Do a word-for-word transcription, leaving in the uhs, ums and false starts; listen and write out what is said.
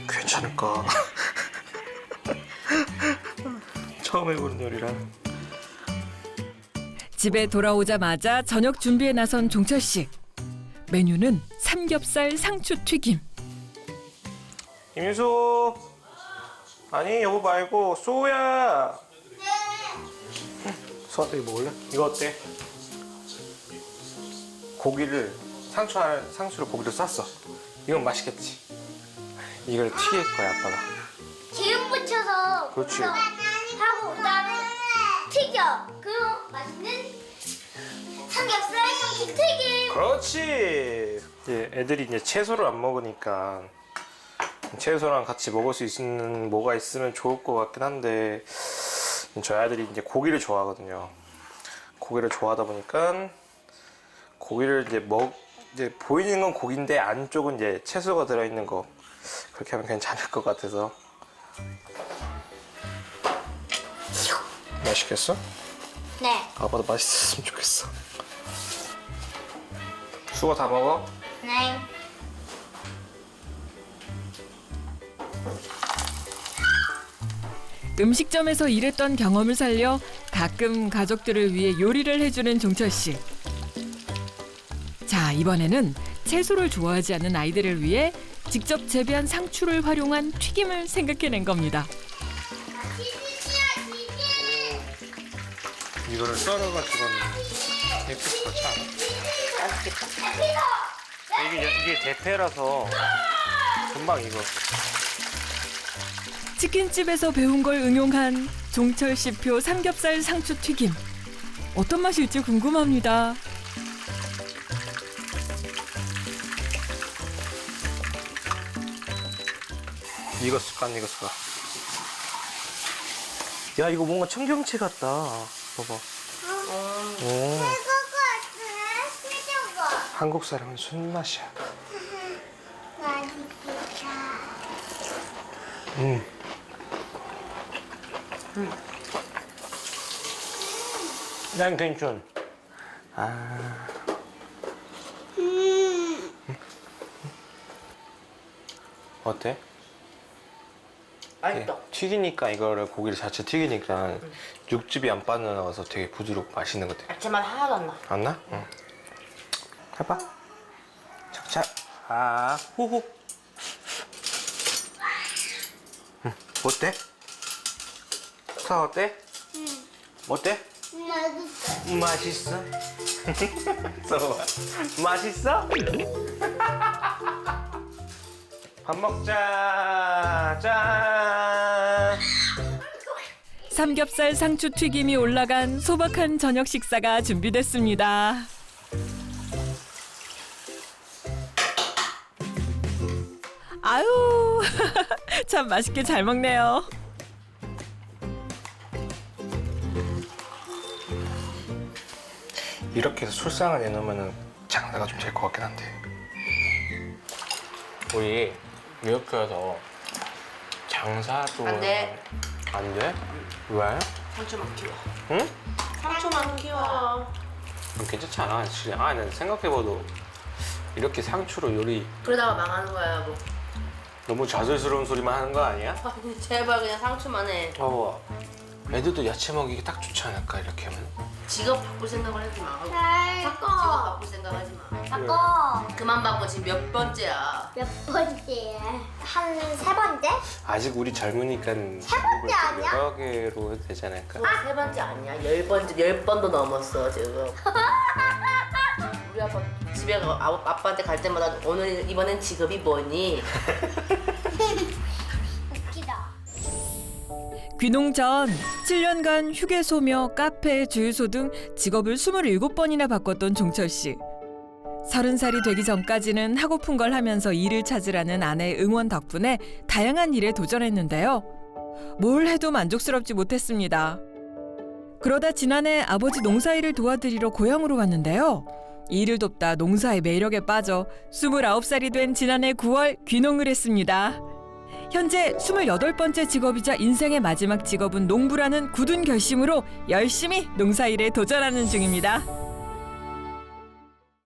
괜찮을까? 처음 해보는 요리라. 집에 돌아오자마자 저녁 준비에 나선 종철 씨. 메뉴는 삼겹살 상추 튀김. 김유소. 아니 여보 말고 소야. 네. 소아 이거 먹을래? 이거 어때? 고기를 상추 안- 상추를 고기를 쌌어. 이건 맛있겠지. 이걸 튀길 거야 아빠가. 기름 붙여서 그렇지. 하고 그다음에 튀겨. 그리고 맛있는 삼겹살 참치 튀김. 그렇지. 이제 애들이 이제 채소를 안 먹으니까 채소랑 같이 먹을 수 있는 뭐가 있으면 좋을 것 같긴 한데 저희 아들이 이제 고기를 좋아하거든요. 고기를 좋아하다 보니까 고기를 이제 먹 이제 보이는 건 고기인데 안쪽은 이제 채소가 들어있는 거 그렇게 하면 괜찮을 것 같아서. 맛있겠어? 네. 아빠도 맛있었으면 좋겠어. 수고 다 먹어? 네. 음식점에서 일했던 경험을 살려 가끔 가족들을 위해 요리를 해주는 종철 씨. 자, 이번에는 채소를 좋아하지 않는 아이들을 위해 직접 재배한 상추를 활용한 튀김을 생각해낸 겁니다. 이거를 썰어가지고 예쁘지 그렇지 않아? 맛있겠다. 이게 이게 대패라서 금방 익어. 치킨집에서 배운 걸 응용한 종철 씨표 삼겹살 상추 튀김. 어떤 맛일지 궁금합니다. 익었을까 안 익었을까? 야 이거 뭔가 청경채 같다. 봐봐. 오. 한국 사람은 손맛이야. 음. 난 괜찮. 아. 어때? 맛있다. 튀기니까 이거를 고기를 자체 튀기니까 육즙이 안 빠져나와서 되게 부드럽고 맛있는 것 같아. 야채만 하나도 안 나. 안 나? 응. 해봐. 착착. 아, 호호. 응. 어때? 사 어때? 응. 어때? 맛있어. 써봐. 맛있어? 밥 먹자. 짠. 삼겹살 상추 튀김이 올라간 소박한 저녁 식사가 준비됐습니다. 아유, 참 맛있게 잘 먹네요. 이렇게 해서 술상을 내놓으면 장사가 좀 될 것 같긴 한데. 우리 이렇게 해서 장사도 안 돼. 안 돼? 왜? 상추만 키워. 응? 상추만 키워. 괜찮지 않아? 진짜. 아, 난 생각해봐도 이렇게 상추로 요리 그러다가 망하는 거야, 뭐. 너무 자연스러운 소리만 하는 거 아니야? 아, 제발 그냥 상추만 해. 봐봐. 애들도 야채 먹이기 딱 좋지 않을까 이렇게 하면? 직업 바꿀 생각을 하지 마. 잘 직업 바꿔. 바꿀 생각하지 마. 바꿔. 그만 바꿔. 지금 몇 번째야. 몇 번째? 한 세 번째? 아직 우리 젊으니까 세 번째 아니야? 여러 개로 해도 되지 않을까? 또 세 번째 아니야. 열 번째, 열 번도 넘었어 지금. 우리 아빠 집에 가, 아, 아빠한테 갈 때마다 오늘 이번엔 직업이 뭐니? 웃기다. 귀농 전 칠 년간 휴게소며 카페, 주유소 등 직업을 스물일곱 번이나 바꿨던 종철 씨. 서른 살이 되기 전까지는 하고픈 걸 하면서 일을 찾으라는 아내의 응원 덕분에 다양한 일에 도전했는데요. 뭘 해도 만족스럽지 못했습니다. 그러다 지난해 아버지 농사일을 도와드리러 고향으로 왔는데요. 일을 돕다 농사의 매력에 빠져 스물아홉 살이 된 지난해 구월 귀농을 했습니다. 현재 스물여덟 번째 직업이자 인생의 마지막 직업은 농부라는 굳은 결심으로 열심히 농사일에 도전하는 중입니다.